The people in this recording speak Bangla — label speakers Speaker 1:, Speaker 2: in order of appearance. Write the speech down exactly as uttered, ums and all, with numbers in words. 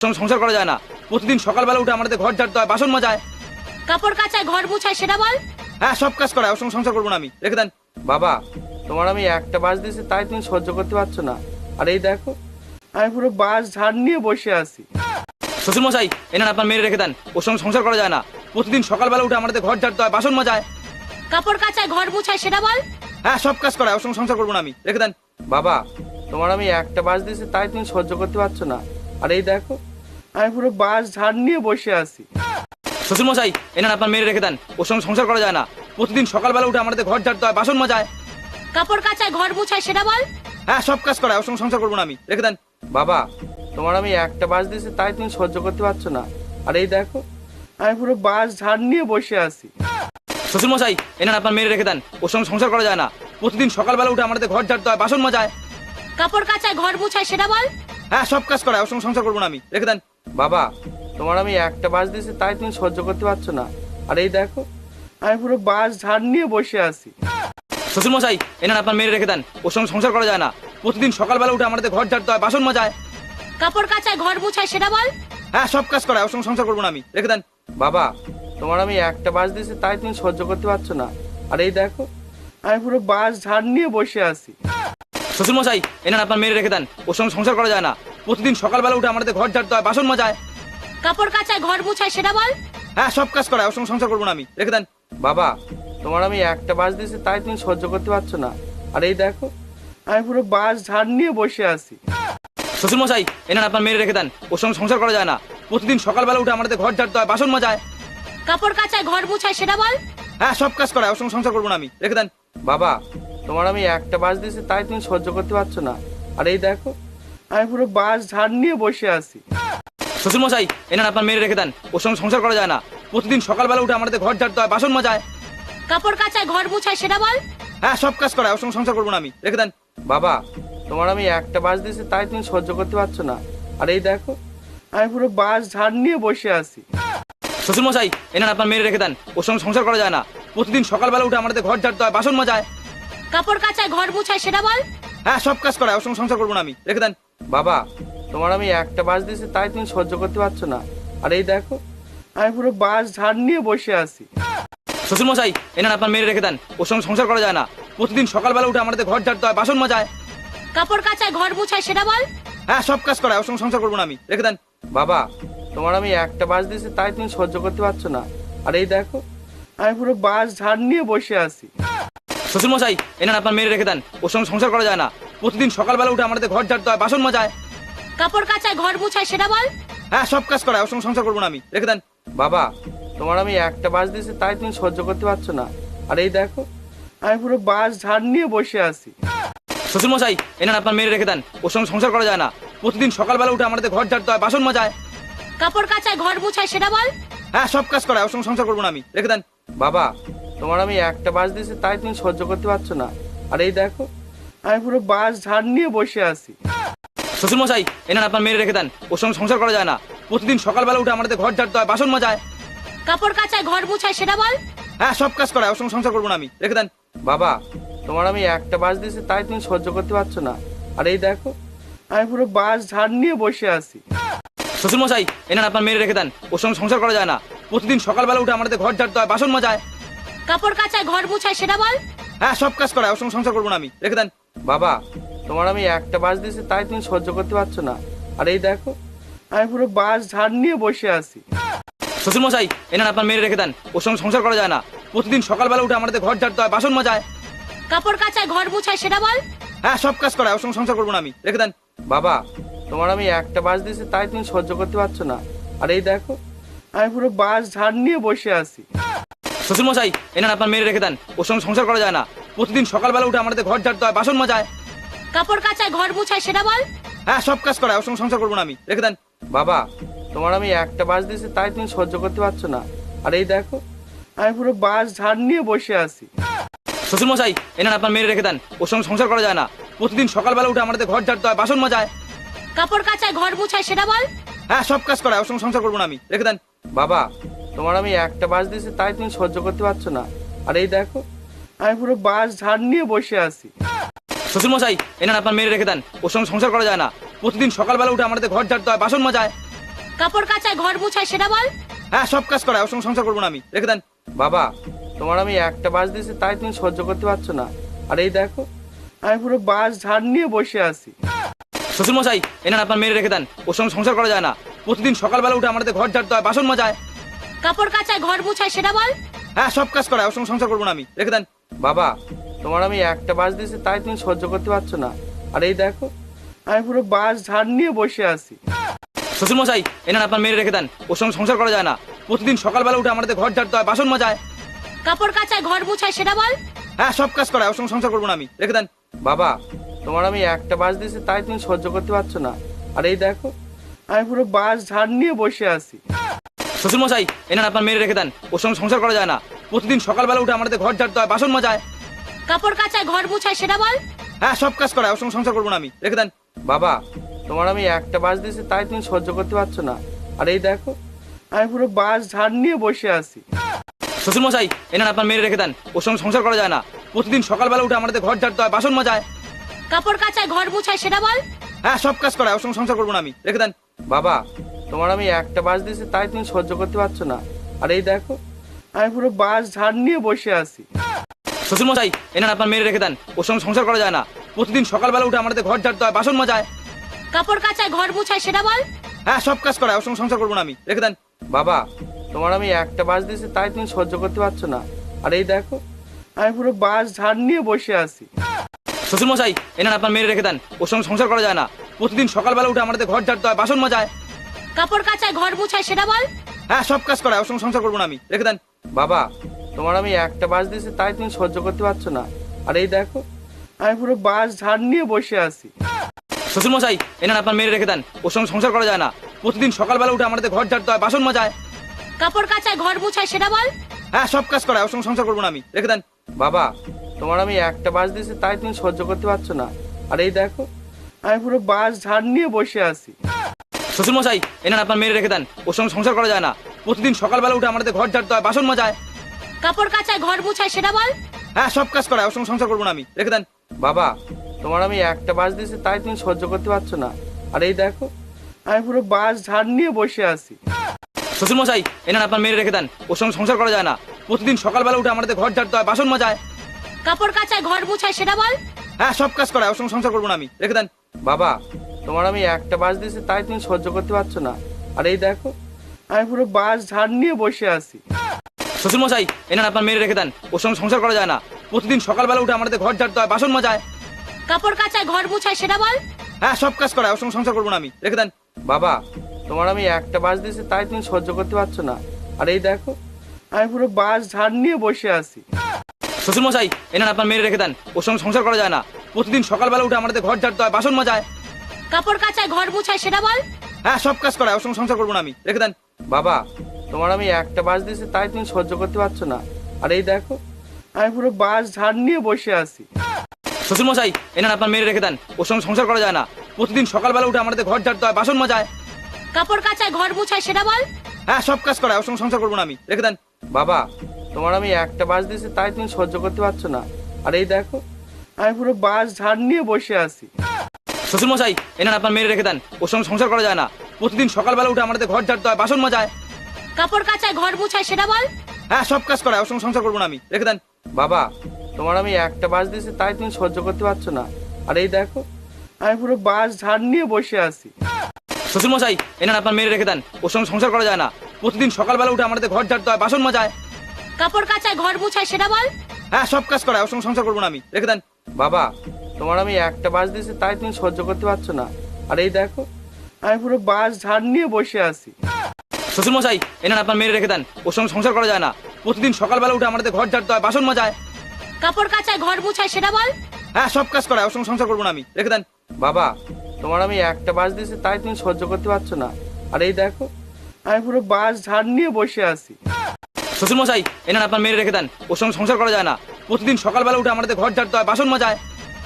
Speaker 1: সংসার করা যায় না। প্রতিদিন সকালবেলা উঠে আমাদের ঘর ঝাড়তে হয়, বাসন মাজায়,
Speaker 2: কাপড় কাচায়, ঘর মুছায়, সেটা বল।
Speaker 1: হ্যাঁ সব কাজ করায়। ওর সঙ্গে সংসার করবো না আমি, রেখে দেন।
Speaker 3: বাবা, তোমার আমি একটা বাস দিয়েছি তাই তুমি সহ্য করতে পারছো না। আর এই দেখো, আমি পুরো বাস ঝাড় নিয়ে বসে আছি।
Speaker 1: শ্বশুর মশাই, এনান আপনার মেরে রেখে দেন। ওর সঙ্গে সংসার করা যায় না। প্রতিদিন সকালবেলা উঠে আমাদের ঘর ঝাড়তে হয়, বাসন মাজায়,
Speaker 2: কাপড় কাচায়, ঘর মুছায়, সেটা বল।
Speaker 1: হ্যাঁ সব কাজ করায়। ওর সঙ্গে সংসার করবো না আমি, রেখে দেন।
Speaker 3: বাবা, তোমার আমি একটা বাস দিয়েছি তাই তুমি সহ্য করতে পারছো না। আর এই দেখো, আমি পুরো বাস ঝাড় নিয়ে বসে আছি।
Speaker 1: শ্বশুর মশাই, এনান আপনার মেরে রেখে দেন। ওর সঙ্গে সংসার করা যায় না। প্রতিদিন সকালবেলা উঠে আমাদের ঘর ঝাড়তে হয়, বাসন মাজায়,
Speaker 2: কাপড় কাচায়, ঘর মুছায়, সেটা বল।
Speaker 1: হ্যাঁ সব কাজ করায়। ওর সঙ্গে সংসার করবো না আমি, রেখে দেন।
Speaker 3: বাবা, তোমার আমি একটা বাস দিয়েছি তাই তুমি সহ্য করতে পারছো না। আর এই দেখো, আমি পুরো বাস ঝাড় নিয়ে বসে আছি।
Speaker 1: শ্বশুর মশাই, এনান আপনার মেরে রেখে দেন। ওর সঙ্গে সংসার করা যায় না। প্রতিদিন সকালবেলা উঠে আমাদের ঘর ঝাড়তে হয়, বাসন মাজায়,
Speaker 2: কাপড় কাচায়, ঘর মুছায়, সেটা বল।
Speaker 1: হ্যাঁ সব কাজ করায়। ওর সঙ্গে সংসার করবো না আমি, রেখে দেন।
Speaker 3: বাবা, তোমার আমি একটা বাস দিয়েছি তাই তুমি সহ্য করতে পারছো না। আর এই দেখো, আমি পুরো বাস ঝাড় নিয়ে বসে আছি।
Speaker 1: শ্বশুর মশাই, এনান আপনার মেরে রেখে দেন। ওর সঙ্গে সংসার করা যায় না। প্রতিদিন সকালবেলা উঠে আমাদের ঘর ঝাড়তে হয়, বাসন মাজায়,
Speaker 2: কাপড় কাচায়, ঘর মুছায়, সেটা বল।
Speaker 1: হ্যাঁ সব কাজ করায়। ওর সঙ্গে সংসার করবো না আমি, রেখে দেন।
Speaker 3: বাবা, তোমার আমি একটা বাস দিয়েছি তাই তুমি সহ্য করতে পারছো না। আর এই দেখো, আমি পুরো বাস ঝাড় নিয়ে বসে আছি।
Speaker 1: শ্বশুর মশাই, এনান আপনার মেরে রেখে দেন। ওর সঙ্গে সংসার করা যায় না। প্রতিদিন সকালবেলা উঠে আমাদের ঘর ঝাড়তে হয়, বাসন মাজায়,
Speaker 2: কাপড় কাচায়, ঘর মুছায়, সেটা বল।
Speaker 1: হ্যাঁ সব কাজ করায়। ওর সঙ্গে সংসার করবো না আমি, রেখে দেন।
Speaker 3: বাবা, তোমার আমি একটা বাস দিয়েছি তাই তুমি সহ্য করতে পারছো না। আর এই দেখো, আমি পুরো বাস ঝাড় নিয়ে বসে আছি।
Speaker 1: শ্বশুর মশাই, এনান আপনার মেরে রেখে দেন। ওর সঙ্গে সংসার করা যায় না। প্রতিদিন সকালবেলা উঠে আমাদের ঘর ঝাড়তে হয়, বাসন মাজায়,
Speaker 2: কাপড় কাচায়, ঘর মুছায়, সেটা বল।
Speaker 1: হ্যাঁ সব কাজ করায়। ওর সঙ্গে সংসার করবো না আমি, রেখে দেন।
Speaker 3: বাবা, তোমার আমি একটা বাস দিয়েছি তাই তুমি সহ্য করতে পারছো না। আর এই দেখো, আমি পুরো বাস ঝাড় নিয়ে বসে আছি।
Speaker 1: শ্বশুর মশাই, এনান আপনার মেরে রেখে দেন। ওর সঙ্গে সংসার করা যায় না। প্রতিদিন সকালবেলা উঠে আমাদের ঘর ঝাড়তে হয়, বাসন মাজায়,
Speaker 2: কাপড় কাচায়, ঘর মুছায়, সেটা বল।
Speaker 1: হ্যাঁ সব কাজ করায়। ওর সঙ্গে সংসার করবো না আমি, রেখে দেন।
Speaker 3: বাবা, তোমার আমি একটা বাস দিয়েছি তাই তুমি সহ্য করতে পারছো না। আর এই দেখো, আমি পুরো বাস ঝাড় নিয়ে বসে আছি।
Speaker 1: শ্বশুর মশাই, এনান আপনার মেরে রেখে দেন। ওর সঙ্গে সংসার করা যায় না। প্রতিদিন সকালবেলা উঠে আমাদের ঘর ঝাড়তে হয়, বাসন মাজায়,
Speaker 2: কাপড় কাচায়, ঘর মুছায়, সেটা বল।
Speaker 1: হ্যাঁ সব কাজ করায়। ওর সঙ্গে সংসার করবো না আমি, রেখে দেন।
Speaker 3: বাবা, তোমার আমি একটা বাস দিয়েছি তাই তুমি সহ্য করতে পারছো না। আর এই দেখো, আমি পুরো বাস ঝাড় নিয়ে বসে আছি।
Speaker 1: শ্বশুর মশাই, এনান আপনার মেরে রেখে দেন। ওর সঙ্গে সংসার করা যায় না। প্রতিদিন সকালবেলা উঠে আমাদের ঘর ঝাড়তে হয়, বাসন মাজায়,
Speaker 2: কাপড় কাচায়, ঘর মুছায়, সেটা বল।
Speaker 1: হ্যাঁ সব কাজ করায়। ওর সঙ্গে সংসার করবো না আমি, রেখে দেন।
Speaker 3: বাবা, তোমার আমি একটা বাস দিয়েছি তাই তুমি সহ্য করতে পারছো না। আর এই দেখো, আমি পুরো বাস ঝাড় নিয়ে বসে আছি।
Speaker 1: শ্বশুর মশাই, এনান আপনার মেরে রেখে দেন। ওর সঙ্গে সংসার করা যায় না। প্রতিদিন সকালবেলা উঠে আমাদের ঘর ঝাড়তে হয়, বাসন মাজায়,
Speaker 2: কাপড় কাচায়, ঘর মুছায়, সেটা বল।
Speaker 1: হ্যাঁ সব কাজ করায়। ওর সঙ্গে সংসার করবো না আমি, রেখে দেন।
Speaker 3: বাবা, তোমার আমি একটা বাস দিয়েছি তাই তুমি সহ্য করতে পারছো না। আর এই দেখো, আমি পুরো বাস ঝাড় নিয়ে বসে আছি।
Speaker 1: শ্বশুর মশাই, এনান আপনার মেরে রেখে দেন। ওর সঙ্গে সংসার করা যায় না। প্রতিদিন সকালবেলা উঠে আমাদের ঘর ঝাড়তে হয়, বাসন মাজায়,
Speaker 2: কাপড় কাচায়, ঘর মুছায়, সেটা বল।
Speaker 1: হ্যাঁ সব কাজ করায়। ওর সঙ্গে সংসার করবো না আমি, রেখে দেন।
Speaker 3: বাবা, তোমার আমি একটা বাস দিয়েছি তাই তুমি সহ্য করতে পারছো না। আর এই দেখো, আমি পুরো বাস ঝাড় নিয়ে বসে আছি।
Speaker 1: শ্বশুর মশাই, এনান আপনার মেরে রেখে দেন। ওর সঙ্গে সংসার করা যায় না। প্রতিদিন সকালবেলা উঠে আমাদের ঘর ঝাড়তে হয়, বাসন মাজায়,
Speaker 2: কাপড় কাচায়, ঘর মুছায়, সেটা বল।
Speaker 1: হ্যাঁ সব কাজ করায়। ওর সঙ্গে সংসার করবো না আমি, রেখে দেন।
Speaker 3: বাবা, তোমার আমি একটা বাস দিয়েছি তাই তুমি সহ্য করতে পারছো না। আর এই দেখো, আমি পুরো বাস ঝাড় নিয়ে বসে আছি।
Speaker 1: শ্বশুর মশাই, এনান আপনার মেরে রেখে দেন। ওর সঙ্গে সংসার করা যায় না। প্রতিদিন সকালবেলা উঠে আমাদের ঘর ঝাড়তে হয়, বাসন মাজায়,
Speaker 2: কাপড় কাচায়, ঘর মুছায়, সেটা বল।
Speaker 1: হ্যাঁ সব কাজ করায়। ওর সঙ্গে সংসার করবো না আমি, রেখে দেন।
Speaker 3: বাবা, তোমার আমি একটা বাস দিয়েছি তাই তুমি সহ্য করতে পারছো না। আর এই দেখো, আমি পুরো বাস ঝাড় নিয়ে বসে আছি।
Speaker 1: শ্বশুর মশাই, এনান আপনার মেরে রেখে দেন। ওর সঙ্গে সংসার করা যায় না। প্রতিদিন সকালবেলা উঠে আমাদের ঘর ঝাড়তে হয়, বাসন মাজায়,
Speaker 2: কাপড় কাচায়, ঘর মুছায়, সেটা বল।
Speaker 1: হ্যাঁ সব কাজ করায়। ওর সঙ্গে সংসার করবো না আমি, রেখে দেন।
Speaker 3: বাবা, তোমার আমি একটা বাস দিয়েছি তাই তুমি সহ্য করতে পারছো না। আর এই দেখো, আমি পুরো বাস ঝাড় নিয়ে বসে আছি।
Speaker 1: শ্বশুর মশাই, এনান আপনার মেরে রেখে দেন। ওর সঙ্গে সংসার করা যায় না। প্রতিদিন সকালবেলা উঠে আমাদের ঘর ঝাড়তে হয়, বাসন মাজায়,
Speaker 2: কাপড় কাচায়, ঘর মুছায়, সেটা বল।
Speaker 1: হ্যাঁ সব কাজ করায়। ওর সঙ্গে সংসার করবো না আমি, রেখে দেন।
Speaker 3: বাবা, তোমার আমি একটা বাস দিয়েছি তাই তুমি সহ্য করতে পারছো না। আর এই দেখো, আমি পুরো বাস ঝাড় নিয়ে বসে আছি।
Speaker 1: শ্বশুর মশাই, এনান আপনার মেরে রেখে দেন। ওর সঙ্গে সংসার করা যায় না। প্রতিদিন সকালবেলা উঠে আমাদের ঘর ঝাড়তে হয়, বাসন মাজায়,
Speaker 2: কাপড় কাচায়, ঘর মুছায়, সেটা বল।
Speaker 1: হ্যাঁ সব কাজ করায়। ওর সঙ্গে সংসার করবো না আমি, রেখে দেন।
Speaker 3: বাবা, তোমার আমি একটা বাস দিয়েছি তাই তুমি সহ্য করতে পারছো না। আর এই দেখো, আমি পুরো বাস ঝাড় নিয়ে বসে আছি।
Speaker 1: শ্বশুর মশাই, এনান আপনার মেরে রেখে দেন। ওর সঙ্গে সংসার করা যায় না। প্রতিদিন সকালবেলা উঠে আমাদের ঘর ঝাড়তে হয়, বাসন মাজায়,
Speaker 2: কাপড় কাচায় ঘর মুছায় সেটা বল।
Speaker 1: হ্যাঁ, সব কাজ করায়, ওর সঙ্গে সংসার করবো না আমি, রেখে দেন।
Speaker 3: বাবা, তোমার আমি একটা বাস দিয়েছি তাই তুমি সহ্য করতে পারছো না। আর এই দেখো, আমি পুরো বাস ঝাড় নিয়ে বসে আছি।
Speaker 1: শ্বশুর মশাই, এনান আপনার মেরে রেখে দেন, ওর সঙ্গে সংসার করা যায় না। প্রতিদিন সকালবেলা উঠে আমাদের ঘর ঝাড়তে হয়, বাসন মাজায়।
Speaker 2: কাপড় কাচায় ঘর মুছায় সেটা বল।
Speaker 1: হ্যাঁ, সব কাজ করায়, ওর সঙ্গে সংসার করবো না আমি, রেখে দেন।
Speaker 3: বাবা, তোমার আমি একটা বাস দিয়েছি তাই তুমি সহ্য করতে পারছো না। আর এই দেখো, আমি পুরো বাস ঝাড় নিয়ে বসে আছি।
Speaker 1: শ্বশুর মশাই, এনান আপনার মেরে রেখে দেন, ওর সঙ্গে সংসার করা যায় না। প্রতিদিন সকালবেলা উঠে আমাদের ঘর ঝাড়তে হয়, বাসন মাজায়।
Speaker 2: কাপড় কাচায় ঘর মুছায় সেটা বল।
Speaker 1: হ্যাঁ, সব কাজ করায়, ওর সঙ্গে সংসার করবো না আমি, রেখে দেন।
Speaker 3: বাবা, তোমার আমি একটা বাস দিয়েছি তাই তুমি সহ্য করতে পারছো না। আর এই দেখো, আমি পুরো বাস ঝাড় নিয়ে বসে আছি।
Speaker 1: শ্বশুর মশাই, এনান আপনার মেরে রেখে দেন, ওর সঙ্গে সংসার করা যায় না। প্রতিদিন সকালবেলা উঠে আমাদের ঘর ঝাড়তে হয়, বাসন মাজায়।
Speaker 2: কাপড় কাচায় ঘর মুছায় সেটা বল।
Speaker 1: হ্যাঁ, সব কাজ করায়, ওর সঙ্গে সংসার করবো না আমি, রেখে দেন।
Speaker 3: বাবা, তোমার আমি একটা বাস দিয়েছি তাই তুমি সহ্য করতে পারছো না। আর এই দেখো, আমি পুরো বাস ঝাড় নিয়ে বসে আছি।
Speaker 1: শ্বশুর মশাই, এনান আপনার মেরে রেখে দেন, ওর সঙ্গে সংসার করা যায় না। প্রতিদিন সকালবেলা উঠে আমাদের ঘর ঝাড়তে হয়, বাসন মাজায়।
Speaker 2: কাপড় কাচায় ঘর মুছায় সেটা বল।
Speaker 1: হ্যাঁ, সব কাজ করায়, ওর সঙ্গে সংসার করবো না আমি, রেখে দেন।
Speaker 3: বাবা, তোমার আমি একটা বাস দিয়েছি তাই তুমি সহ্য করতে পারছো না। আর এই দেখো, আমি পুরো বাস ঝাড় নিয়ে বসে আছি।
Speaker 1: শ্বশুর মশাই, এনান আপনার মেরে রেখে দেন, ওর সঙ্গে সংসার করা যায় না। প্রতিদিন সকালবেলা উঠে আমাদের ঘর ঝাড়তে হয়, বাসন মাজায়।
Speaker 2: কাপড় কাচায় ঘর মুছায় সেটা বল।
Speaker 1: হ্যাঁ, সব কাজ করায়, ওর সঙ্গে সংসার করবো না আমি, রেখে দেন।
Speaker 3: বাবা, তোমার আমি একটা বাস দিয়েছি তাই তুমি সহ্য করতে পারছো না। আর এই দেখো, আমি পুরো বাস ঝাড় নিয়ে বসে আছি।
Speaker 1: শ্বশুর মশাই, এনান আপনার মেরে রেখে দেন, ওর সঙ্গে সংসার করা যায় না। প্রতিদিন সকালবেলা উঠে আমাদের ঘর ঝাড়তে হয়, বাসন মাজায়।
Speaker 2: কাপড় কাচায় ঘর মুছায় সেটা বল।
Speaker 1: হ্যাঁ, সব কাজ করায়, ওর সঙ্গে সংসার করবো না আমি, রেখে দেন।
Speaker 3: বাবা, তোমার আমি একটা বাস দিয়েছি তাই তুমি সহ্য করতে পারছো না। আর এই দেখো, আমি পুরো বাস ঝাড় নিয়ে বসে আছি।
Speaker 1: শ্বশুর মশাই, এনান আপনার মেরে রেখে দেন, ওর সঙ্গে সংসার করা যায় না। প্রতিদিন সকালবেলা উঠে আমাদের ঘর ঝাড়তে হয়, বাসন মাজায়।
Speaker 2: কাপড় কাচায় ঘর মুছায় সেটা বল।
Speaker 1: হ্যাঁ, সব কাজ করায়, ওর সঙ্গে সংসার করবো না আমি, রেখে দেন।
Speaker 3: বাবা, তোমার আমি একটা বাস দিয়েছি তাই তুমি সহ্য করতে পারছো না। আর এই দেখো, আমি পুরো বাস ঝাড় নিয়ে বসে আছি।
Speaker 1: শ্বশুর মশাই, এনান আপনার মেরে রেখে দেন, ওর সঙ্গে সংসার করা যায় না। প্রতিদিন সকালবেলা উঠে আমাদের ঘর ঝাড়তে হয়, বাসন মাজায়।
Speaker 2: কাপড় কাচায় ঘর মুছায় সেটা বল।
Speaker 1: হ্যাঁ, সব কাজ করায়, ওর সঙ্গে সংসার করবো না আমি, রেখে দেন।
Speaker 3: বাবা, তোমার আমি একটা বাস দিয়েছি তাই তুমি সহ্য করতে পারছো না। আর এই দেখো, আমি পুরো বাস ঝাড় নিয়ে বসে আছি।
Speaker 1: শ্বশুর মশাই, এনান আপনার মেরে রেখে দেন, ওর সঙ্গে সংসার করা যায় না। প্রতিদিন সকালবেলা উঠে আমাদের ঘর ঝাড়তে হয়, বাসন মাজায়।
Speaker 2: কাপড় কাচায় ঘর মুছায় সেটা বল।
Speaker 1: হ্যাঁ, সব কাজ করায়, ওর সঙ্গে সংসার করবো না আমি, রেখে দেন।
Speaker 3: বাবা, তোমার আমি একটা বাস দিয়েছি তাই তুমি সহ্য করতে পারছো না। আর এই দেখো, আমি পুরো বাস ঝাড় নিয়ে বসে আছি।
Speaker 1: শ্বশুর মশাই, এনান আপনার মেরে রেখে দেন, ওর সঙ্গে সংসার করা যায় না। প্রতিদিন সকালবেলা উঠে আমাদের ঘর ঝাড়তে হয়, বাসন মাজায়।
Speaker 2: কাপড় কাচায় ঘর মুছায় সেটা বল।
Speaker 1: হ্যাঁ, সব কাজ করায়, ওর সঙ্গে সংসার করবো না আমি, রেখে দেন।
Speaker 3: বাবা, তোমার আমি একটা বাস দিয়েছি তাই তুমি সহ্য করতে পারছো না। আর এই দেখো, আমি পুরো বাস ঝাড় নিয়ে বসে আছি।
Speaker 1: শ্বশুর মশাই, এনান আপনার মেরে রেখে দেন, ওর সঙ্গে সংসার করা যায় না। প্রতিদিন সকালবেলা উঠে আমাদের ঘর ঝাড়তে হয়, বাসন মাজায়।
Speaker 2: কাপড় কাচায় ঘর মুছায় সেটা বল।
Speaker 1: হ্যাঁ, সব কাজ করায়, ওর সঙ্গে সংসার করবো না আমি, রেখে দেন।
Speaker 3: বাবা, তোমার আমি একটা বাস দিয়েছি তাই তুমি সহ্য করতে পারছো না। আর এই দেখো, আমি পুরো বাস ঝাড় নিয়ে বসে আছি।
Speaker 1: শ্বশুর মশাই, এনান আপনার মেরে রেখে দেন, ওর সঙ্গে সংসার করা যায় না। প্রতিদিন সকালবেলা উঠে আমাদের ঘর ঝাড়তে হয়, বাসন মাজায়।
Speaker 2: কাপড় কাচায় ঘর মুছায় সেটা বল।
Speaker 1: হ্যাঁ, সব কাজ করায়, ওর সঙ্গে সংসার করবো না আমি, রেখে দেন।
Speaker 3: বাবা, তোমার আমি একটা বাস দিয়েছি তাই তুমি সহ্য করতে পারছো না। আর এই দেখো, আমি পুরো বাস ঝাড় নিয়ে বসে আছি।
Speaker 1: শ্বশুর মশাই, এনান আপনার মেরে রেখে দেন, ওর সঙ্গে সংসার করা যায় না। প্রতিদিন সকালবেলা উঠে আমাদের ঘর ঝাড়তে হয়, বাসন মাজায়।
Speaker 2: কাপড় কাচায় ঘর মুছায় সেটা বল।
Speaker 1: হ্যাঁ, সব কাজ করায়, ওর সঙ্গে সংসার করবো না আমি, রেখে দেন।
Speaker 3: বাবা, তোমার আমি একটা বাস দিয়েছি তাই তুমি সহ্য করতে পারছো না। আর এই দেখো, আমি পুরো বাস ঝাড় নিয়ে বসে আছি।
Speaker 1: শ্বশুর মশাই, এনান আপনার মেরে রেখে দেন, ওর সঙ্গে সংসার করা যায় না। প্রতিদিন সকালবেলা উঠে আমাদের ঘর ঝাড়তে হয়, বাসন মাজায়।
Speaker 2: কাপড় কাচায় ঘর মুছায় সেটা বল।
Speaker 1: হ্যাঁ, সব কাজ করায়, ওর সঙ্গে সংসার করবো না আমি, রেখে দেন।
Speaker 3: বাবা, তোমার আমি একটা বাস দিয়েছি তাই তুমি সহ্য করতে পারছো না। আর এই দেখো, আমি পুরো বাস ঝাড় নিয়ে বসে আছি।
Speaker 1: শ্বশুর মশাই, এনান আপনার মেরে রেখে দেন, ওর সঙ্গে সংসার করা যায় না। প্রতিদিন সকালবেলা উঠে আমাদের ঘর ঝাড়তে হয়, বাসন মাজায়।
Speaker 2: কাপড় কাচায় ঘর মুছায় সেটা বল।
Speaker 1: হ্যাঁ, সব কাজ করায়, ওর সঙ্গে সংসার করবো না আমি, রেখে দেন।
Speaker 3: বাবা, তোমার আমি একটা বাস দিয়েছি তাই তুমি সহ্য করতে পারছো না। আর এই দেখো, আমি পুরো বাস ঝাড় নিয়ে বসে আছি।
Speaker 1: শ্বশুর মশাই, এনান আপনার মেরে রেখে দেন, ওর সঙ্গে সংসার করা যায় না। প্রতিদিন সকালবেলা উঠে আমাদের ঘর ঝাড়তে হয়, বাসন মাজায়।